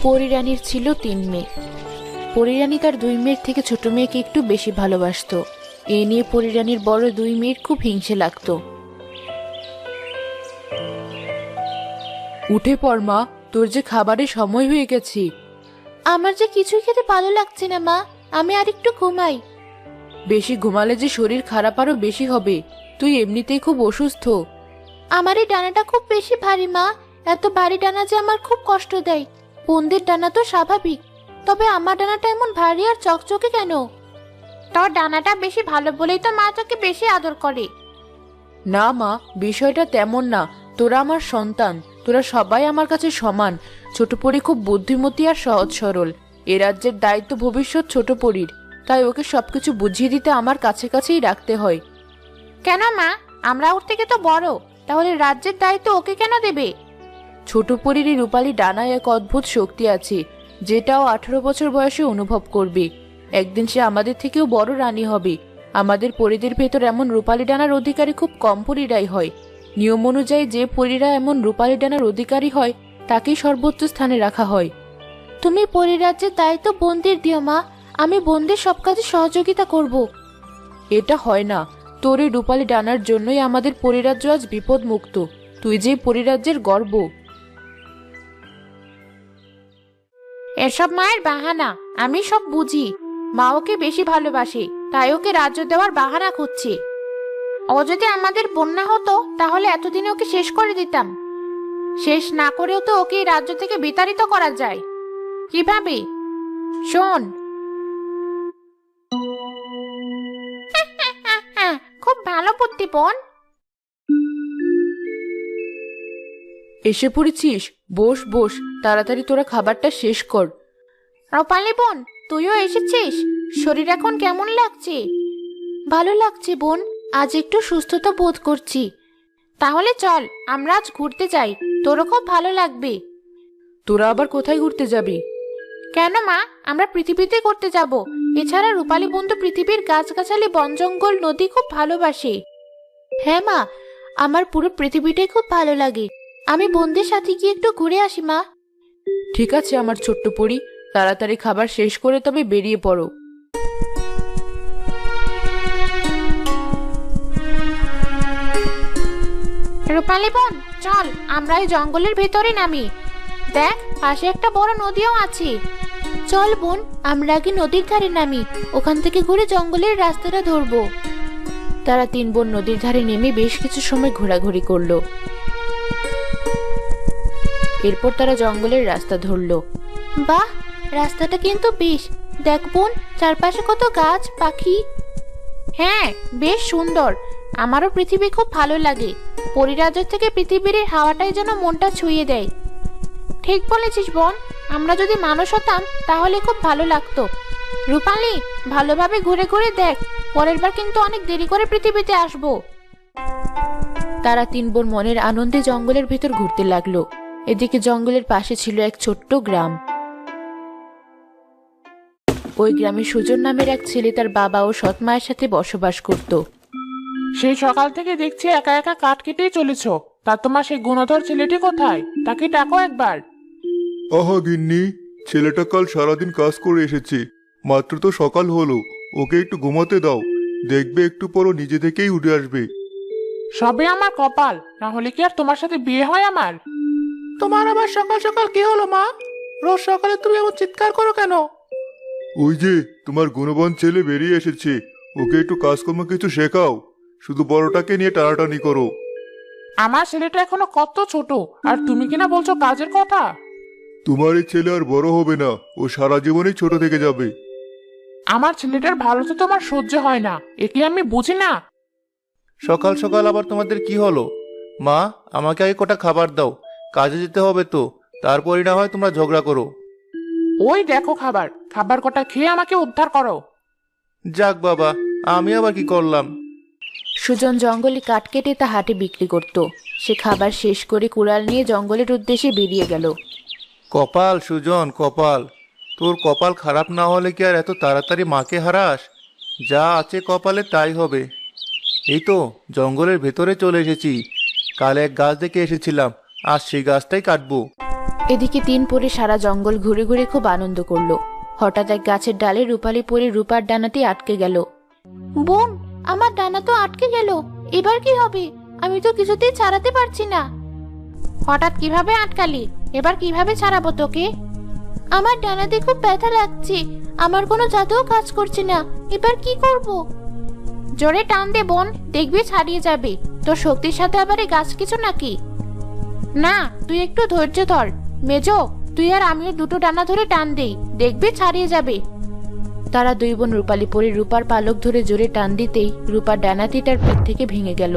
পরিরানীর ছিল 3 মেয়ে। পরিরানী তার 2 মেয়ের থেকে ছোট মেয়েকে একটু বেশি ভালোবাসতো। এ নিয়ে পরিরানীর বড় 2 মেয়ের খুব হিংসে লাগতো। উঠে পড় মা, তোর যে খাবারের সময় হয়ে গেছে। আমার যে কিছুই খেতে ভালো লাগছে না মা, আমি আর একটু ঘুমাই। বেশি ঘুমালে যে শরীর খারাপ আরো বেশি হবে, তুই এমনিতেই খুব অসুস্থ। আমার এই ডানাটা খুব বেশি ভারী মা, এত ভারী ডানা যে আমার খুব কষ্ট দেয়। বোনদের ডানা তো স্বাভাবিক, তবে আমার ডানাটা এমন ভারী আর চকচকে কেন? তোর ডানাটা বেশি ভালো বলেই তো মা তোকে বেশি আদর করে। না মা, বিষয়টা তেমন না। তোরা আমার সন্তান, তোরা সবাই আমার কাছে সমান। ছোট পরি খুব বুদ্ধিমতী আর সহজ সরল। এ রাজ্যের দায়িত্ব ভবিষ্যৎ ছোট পরির, তাই ওকে সবকিছু বুঝিয়ে দিতে আমার কাছে কাছেই রাখতে হয়। কেন মা, আমরা ওর থেকে তো বড়, তাহলে রাজ্যের দায়িত্ব ওকে কেন দেবে? ছোট পরির এই রূপালী ডানায় এক অদ্ভুত শক্তি আছে, যেটাও 18 বছর বয়সে অনুভব করবে। একদিন সে আমাদের থেকেও বড় রানী হবে। আমাদের পরিদের ভেতর এমন রূপালী ডানার অধিকারী খুব কম পরিরাই হয়। নিয়ম অনুযায়ী যে পরিরা এমন রূপালী ডানার অধিকারী হয় তাকেই সর্বোচ্চ স্থানে রাখা হয়। তুমি পরিরাজ্যের দায়িত্ব বোনদের দিও মা, আমি বোনদের সব কাজে সহযোগিতা করব। এটা হয় না, তোর এই রূপালী ডানার জন্যই আমাদের পরিরাজ্য আজ বিপদ মুক্ত। তুই যে পরিরাজ্যের গর্ব। এসব মায়ের বাহানা, আমি সব বুঝি। মা ওকে বেশি ভালোবাসে, তাই ওকে রাজ্য দেওয়ার বাহানা খুঁজছে। ও যদি আমাদের বন্যা হতো তাহলে এতদিনে ওকে শেষ করে দিতাম। শেষ না করেও তো ওকে এই রাজ্য থেকে বিতাড়িত করা যায়। কিভাবে? শোন। খুব ভালো বুদ্ধি বোন। এসে পড়েছিস? বস বস, তাড়াতাড়ি তোরা খাবারটা শেষ কর। রূপালী বোন, তুইও এসেছিস? শরীর এখন কেমন লাগছে? ভালো লাগছে বোন, আজ একটু সুস্থতা বোধ করছি। তাহলে চল আমরা আজ ঘুরতে যাই, তোরও খুব ভালো লাগবে। তোরা আবার কোথায় ঘুরতে যাবি? কেন মা, আমরা পৃথিবীতে ঘুরতে যাব। এছাড়া রূপালী বোন তো পৃথিবীর গাছগাছালি, বন জঙ্গল, নদী খুব ভালোবাসে। হ্যাঁ মা, আমার পুরো পৃথিবীটাই খুব ভালো লাগে। আমি বোনদের সাথে গিয়ে একটু ঘুরে আসি মা। ঠিক আছে আমার ছোট্ট পরি, তাড়াতাড়ি খাবার শেষ করে তবে বেরিয়ে পড়ো। রূপালী বোন, চল আমরা এই জঙ্গলের ভেতরে নামি। দেখ, পাশে একটা বড় নদীও আছে। চল বোন, আমরা আগে নদীর ধারে নামি, ওখান থেকে ঘুরে জঙ্গলের রাস্তাটা ধরবো। তারা 3 বোন নদীর ধারে নেমে বেশ কিছু সময় ঘোরাঘুরি করলো। এরপর তারা জঙ্গলের রাস্তা ধরলো। বাহ, রাস্তাটা কিন্তু বেশ। দেখ বোন, চারপাশে কত গাছ পাখি। হ্যাঁ, বেশ সুন্দর। আমারও পৃথিবী খুব ভালো লাগে। পরিরাজ্য থেকে পৃথিবীর এই হাওয়াটাই যেন মনটা ছুঁয়ে দেয়। ঠিক বলেছিস বোন, আমরা যদি মানুষ হতাম তাহলে খুব ভালো লাগতো। রূপালী, ভালোভাবে ঘুরে ঘুরে দেখ, পরের বার কিন্তু অনেক দেরি করে পৃথিবীতে আসবো। তারা 3 বোন মনের আনন্দে জঙ্গলের ভিতর ঘুরতে লাগলো। এদিকে জঙ্গলের পাশে ছিল এক ছোট্ট গ্রাম। ওই গ্রামে সুজন নামের এক ছেলে তার বাবা ও সৎ মায়ের সাথে বসবাস করত। সেই সকাল থেকে দেখছি একা একা কাঠ কেটেই চলেছ। তা তোমার সেই গুণধর ছেলেটি কোথায়? তাকে ডাকো একবার। আহা গিন্নি, ছেলেটা কাল সারাদিন কাজ করে এসেছে, মাত্র তো সকাল হলো। ওকে একটু ঘুমাতে দাও, দেখবে একটু পরও নিজে থেকেই উঠে আসবে। সবে আমার কপাল, না হলে কি আর তোমার সাথে বিয়ে হয় আমার? তোমার আবার সকাল সকাল কি হলো মা? রোজ সকালে তুমি এমন চিৎকার করো কেন? ওই যে তোমার গুণবান ছেলে বেরিয়ে এসেছে, ওকে একটু কাজকর্ম কিছু শেখাও, শুধু বড়টাকে নিয়ে টানাটানি করো। আমার ছেলেটা এখনো কত ছোট, আর তুমি কিনা বলছো কাজের কথা? তোমার এই ছেলে আর বড় হবে না, ও সারা জীবনই ছোট থেকে যাবে। আমার ছেলেটার ভালো তো তোমার সহ্য হয় না, একে আমি বুঝি না। সকাল সকাল আবার তোমাদের কি হলো? মা, আমাকে আগে কটা খাবার দাও, কাজে যেতে হবে তো, তারপরই না হয় তোমরা ঝগড়া করো। ওই দেখো খাবার, খাবার কটা খেয়ে আমাকে উদ্ধার করো। যাক বাবা, আমি আবার কি করলাম? সুজন জঙ্গলে কাঠ কেটে তা হাটে বিক্রি করত। সে খাবার শেষ করে কুড়াল নিয়ে জঙ্গলের উদ্দেশ্যে বেরিয়ে গেল। কপাল সুজন, কপাল, তোর কপাল খারাপ না হলে কি আর এত তাড়াতাড়ি মাকে হারাস? যা আছে কপালে তাই হবে। এই তো জঙ্গলের ভেতরে চলে এসেছি। কাল এক গাছ দেখে এসেছিলাম, আজ সেই গাছটাই কাটবো। এদিকে 3 পরে সারা জঙ্গল ঘুরে ঘুরে খুব আনন্দ করলো। হঠাৎ এক গাছের ডালে রূপালী পরে রূপার ডানাটি আটকে গেল। বোন, আমার ডানা তো আটকে গেল, এবার কি হবে? আমি তো কিছুতেই ছাড়াতে পারছি না। হঠাৎ কিভাবে আটকালি? এবার কিভাবে ছাড়াবো তোকে? আমার ডানাতে খুব ব্যথা লাগছে, আমার কোনো জাদুও কাজ করছে না, এবার কি করব? জোরে টান দে বোন, দেখবি ছাড়িয়ে যাবে। তোর শক্তির সাথে আবার এই গাছ কিছু নাকি? না, তুই একটু ধৈর্য ধর। মেজো, তুই আর আমিও দুটো ডানা ধরে টান দেই, দেখবি ছাড়িয়ে যাবে। তারা 2 বোন রূপালী পরে রূপার পালক ধরে জোরে টান দিতেই রূপার ডানাটি তার পিঠ থেকে ভেঙে গেল।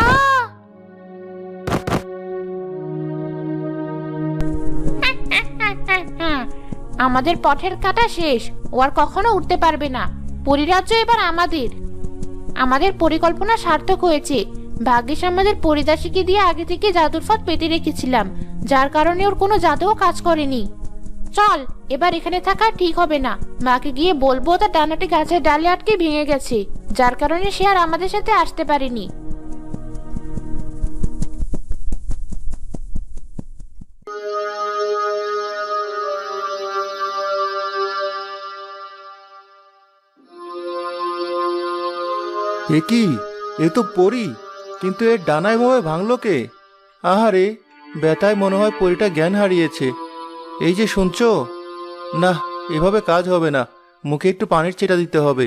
আমাদের পথের কাটা শেষ, ও আর কখনো উঠতে পারবে না। পরিরাজ্য এবার আমাদের। আমাদের পরিকল্পনা সার্থক হয়েছে। ভাগ্যিস আমাদের পরিদাসীকে দিয়ে আগে থেকে জাদুর ফাঁদ পেতে রেখেছিলাম, যার কারণে ওর কোনো জাদুও কাজ করেনি। চল, এবার এখানে থাকা ঠিক হবে না। মাকে গিয়ে বলবো তার ডানাটি গাছের ডালে আটকে ভেঙে গেছে, যার কারণে সে আর আমাদের সাথে আসতে পারেনি। এ কি? এ তো পরী, কিন্তু এর ডানা এভাবে ভাঙলো কে? আহারে, ব্যথায় মনে হয় পরীটা জ্ঞান হারিয়েছে। এই যে শুনছো, না, এভাবে কাজ হবে না, মুখে একটু পানির ছিটা দিতে হবে।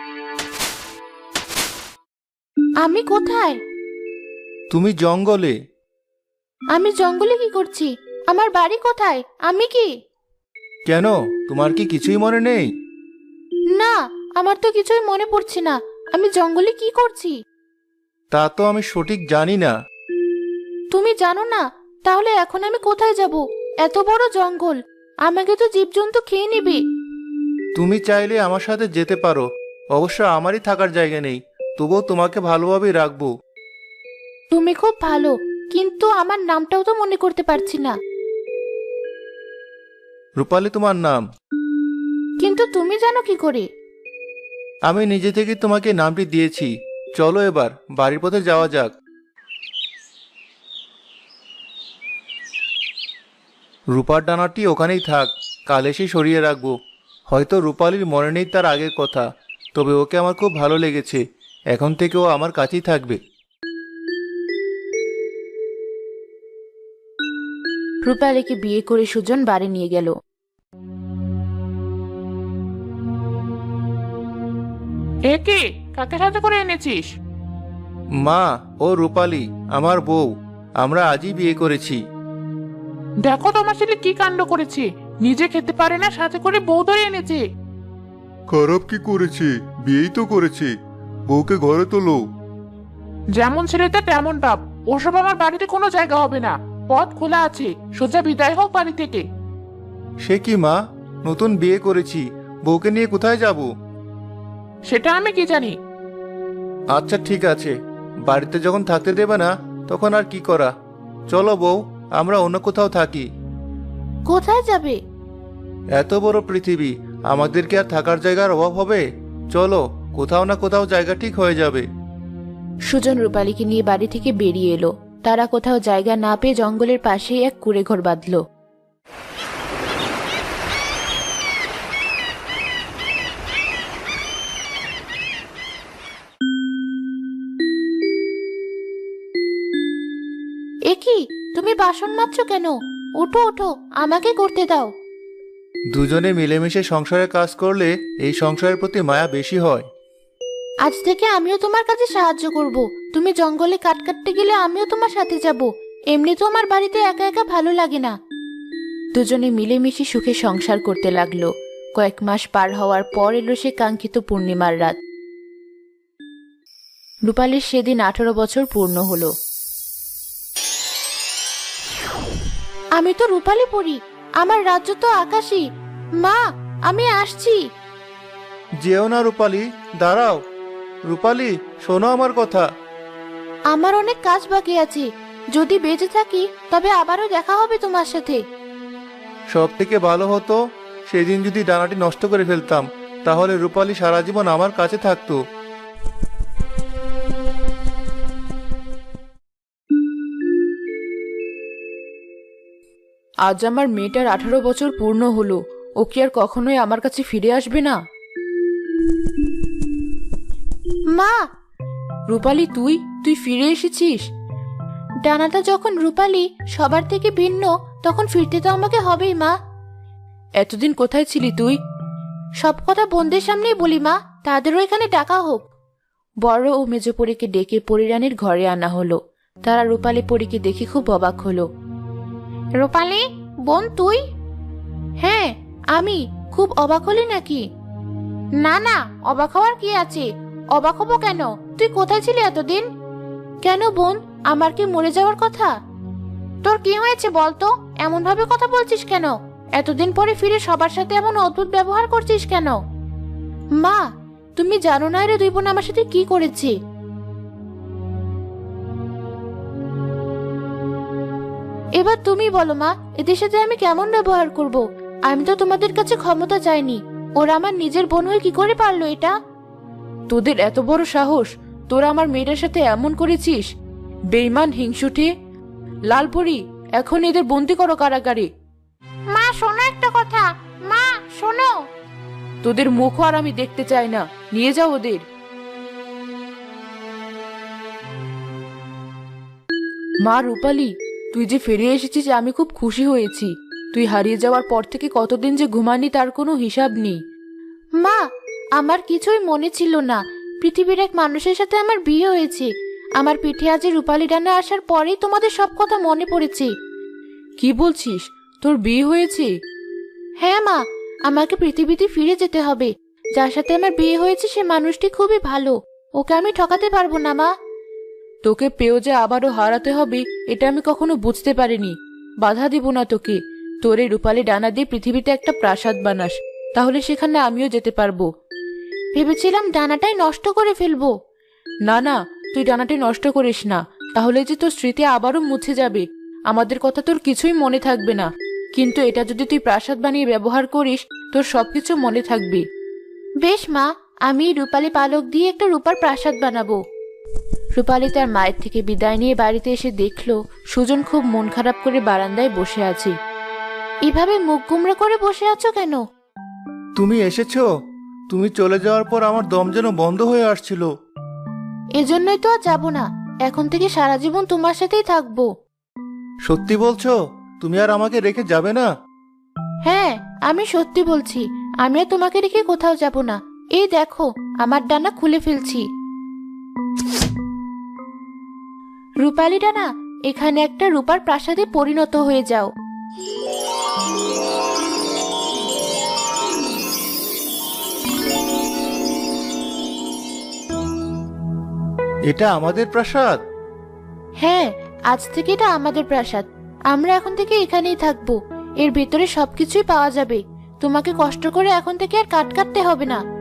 আমি কোথায়? তুমি জঙ্গলে। আমি জঙ্গলে কি করছি? আমার বাড়ি কোথায়? আমি কি? কেন, তোমার কি কিছুই মনে নেই? না, আমার তো কিছুই মনে পড়ছে না। আমি জঙ্গলে কি করছি? তা তো আমি সঠিক জানি না। তুমি জানো না? তাহলে এখন আমি কোথায় যাব? এত বড় জঙ্গল, আমাকে তো জীবজন্তু খেয়ে নেবে। তুমি চাইলে আমার সাথে যেতে পারো, অবশ্য আমারই থাকার জায়গা নেই, তবুও তোমাকে ভালোভাবেই রাখবো। তুমি খুব ভালো, কিন্তু আমার নামটাও তো মনে করতে পারছি না। রূপালী তোমার নাম? কিন্তু তুমি জানো কি করে? আমি নিজে থেকে তোমাকে নামটি দিয়েছি। চলো এবার বাড়ির পথে যাওয়া যাক। রূপার ডানাটি ওখানেই থাক, কাল এসে সরিয়ে রাখবো। হয়তো রূপালীর মনে নেই তার আগের কথা, তবে ওকে আমার খুব ভালো লেগেছে। এখন থেকে ও আমার কাছেই থাকবে। রূপালীকে বিয়ে করে সুজন বাড়ি নিয়ে গেল। এ কি? কাকে সাথে করে এনেছিস? মা, ও রূপালী আমার বউ, আমরা আজই বিয়ে করেছি। দেখো তোমার ছেলে কি কাণ্ড করেছে, নিজে খেতে পারে না, সাথে করে বউ ধরে এনেছে। খারাপ কি করেছে? বিয়েই তো করেছে, বউকে ঘরে তোলো। যেমন ছেলেটা তেমন বাপ, ওসব আমার বাড়িতে কোনো জায়গা হবে না। পথ খোলা আছে, সোজা বিদায় হোক বাড়ি থেকে। সে কি মা, নতুন বিয়ে করেছি, বউকে নিয়ে কোথায় যাব? সেটা আমি কি জানি। আচ্ছা ঠিক আছে, বাড়িতে যখন থাকতে দেবে না তখন আর কি করা। চলো বউ, আমরা অন্য কোথাও থাকি। কোথায় যাবে? এত বড় পৃথিবী, আমাদের কি আর থাকার জায়গার অভাব হবে? চলো, কোথাও না কোথাও জায়গা ঠিক হয়ে যাবে। সুজন রূপালীকে নিয়ে বাড়ি থেকে বেরিয়ে এলো। তারা কোথাও জায়গা না পেয়ে জঙ্গলের পাশেই এক কুঁড়ে ঘর বাঁধল। এ কি, তুমি বাসন মাজছো কেন? ওঠো ওঠো, আমাকে করতে দাও। দুজনে মিলেমিশে সংসারে কাজ করলে এই সংসারের প্রতি মায়া বেশি হয়। আজ থেকে আমিও তোমার কাছে সাহায্য করব। তুমি জঙ্গলে কাঠ কাটতে গেলে আমিও তোমার সাথে যাব। এমনি তো আমার বাড়িতে একা একা ভালো লাগে না। দুজনে মিলেমিশে সুখে সংসার করতে লাগলো। কয়েক মাস পার হওয়ার পর এলো সে কাঙ্ক্ষিত পূর্ণিমার রাত। রূপালীর সেদিন 18 বছর পূর্ণ হলো। আমি তো রূপালী পড়ি, আমার রাজ্য তো আকাশী। মা, আমি আসছি। যেও না রূপালী, দাঁড়াও। রূপালী, শোনো আমার কথা। আমার অনেক কাজ বাকি আছে, যদি বেঁচে থাকি তবে আবারও দেখা হবে তোমার সাথে। সব থেকে ভালো হতো সেদিন যদি ডানাটি নষ্ট করে ফেলতাম, তাহলে রূপালী সারা জীবন আমার কাছে থাকতো। আজ আমার মেয়েটার 18 বছর পূর্ণ হলো। ও কি আর কখনোই আমার কাছে ফিরে আসবে না? মা! রূপালী, তুই তুই ফিরে এসেছিস? ডানাটা যখন রূপালী সবার থেকে ভিন্ন, তখন ফিরতে তো আমাকে হবেই মা। এতদিন কোথায় ছিলি তুই? সব কথা বোনদের সামনেই বলি মা, তাদেরও এখানে ডাকা হোক। বড় ও মেজো পরীকে ডেকে পরিরানীর ঘরে আনা হলো। তারা রূপালী পরীকে দেখে খুব অবাক হলো। রূপালী, বোন তুই? হ্যাঁ আমি। খুব অবাক হলি নাকি? না না, অবাক হওয়ার কি আছে? অবাক হবো কেন? তুই কোথায় ছিলি এতদিন? কেন বোন, আমার কি মরে যাওয়ার কথা? তোর কি হয়েছে বলতো? এমন ভাবে কথা বলছিস কেন? এতদিন পরে ফিরে সবার সাথে এমন অদ্ভুত ব্যবহার করছিস কেন? মা, তুমি জানো না রে দুই বোন আমার সাথে কি করেছে। এবার তুমি বলো মা, এদের সাথে আমি কেমন ব্যবহার করব? আমি তো তোমাদের কাছে ক্ষমতা চাইনি। ওরা আমার নিজের বোন হয়ে কি করে পারলো এটা? তোদের এত বড় সাহস, তোরা আমার মেয়েটার সাথে এমন করেছিস? বেঈমান, হিংসুটে! লালপরি, এখন এদের বন্দি করো কারাগারে। মা শোনো একটা কথা, মা শোনো। তোদের মুখও আর আমি দেখতে চাই না, নিয়ে যাও ওদের। মা রূপালী, তুই যে ফিরে এসেছিস আমি খুব খুশি হয়েছি। তুই হারিয়ে যাওয়ার পর থেকে কতদিন যে ঘুমানি তার কোনো হিসাব নেই। মা, আমার কিছুই মনে ছিল না। পৃথিবীর এক মানুষের সাথে আমার বিয়ে হয়েছে। আমার পিঠে আজ রূপালী ডানা আসার পরেই তোমাদের সব কথা মনে পড়েছে। কি বলছিস? তোর বিয়ে হয়েছে? হ্যাঁ মা, আমাকে পৃথিবীতে ফিরে যেতে হবে। যার সাথে আমার বিয়ে হয়েছে সে মানুষটি খুবই ভালো। ওকে আমি ঠকাতে পারবো না মা। তোকে পেয়েও যে আবারও হারাতে হবে এটা আমি কখনো বুঝতে পারিনি। বাধা দিব না তোকে। তোর এই রূপালী ডানা দিয়ে পৃথিবীতে একটা প্রাসাদ বানাস, তাহলে সেখানে আমিও যেতে পারবো। ভেবেছিলাম ডানাটাই নষ্ট করে ফেলবো। না না, তুই ডানাটি নষ্ট করিস না, তাহলে যে তোর স্মৃতি আবারও মুছে যাবে। আমাদের কথা তোর কিছুই মনে থাকবে না, কিন্তু এটা যদি তুই প্রাসাদ বানিয়ে ব্যবহার করিস তোর সবকিছু মনে থাকবে। বেশ মা, আমি রূপালী পালক দিয়ে একটা রূপার প্রাসাদ বানাবো। রূপালী তার মায়ের থেকে বিদায় নিয়ে বাড়িতে এসে দেখলো সুজন খুব মন খারাপ করে বারান্দায় বসে আছে। এভাবে মুখ গুমরা করে বসে আছো কেন? তুমি এসেছো? তুমি চলে যাওয়ার পর আমার দম যেন বন্ধ হয়ে আসছিল। এজন্যই তো আর যাবো না। এখন থেকে সারা জীবন তোমার সাথেই থাকবো। সত্যি বলছো? তুমি আর আমাকে রেখে যাবে না? হ্যাঁ, আমি সত্যি বলছি। আমি আর তোমাকে রেখে কোথাও যাব না। এই দেখো, আমার ডানা খুলে ফেলছি। রূপালী ডানা, এখানে একটা রূপার প্রাসাদে পরিণত হয়ে যাও। এটা আমাদের প্রাসাদ? হ্যাঁ, আজ থেকে এটা আমাদের প্রাসাদ। আমরা এখন থেকে এখানেই থাকবো। এর ভেতরে সবকিছুই পাওয়া যাবে। তোমাকে কষ্ট করে এখন থেকে আর কাটতে হবে না।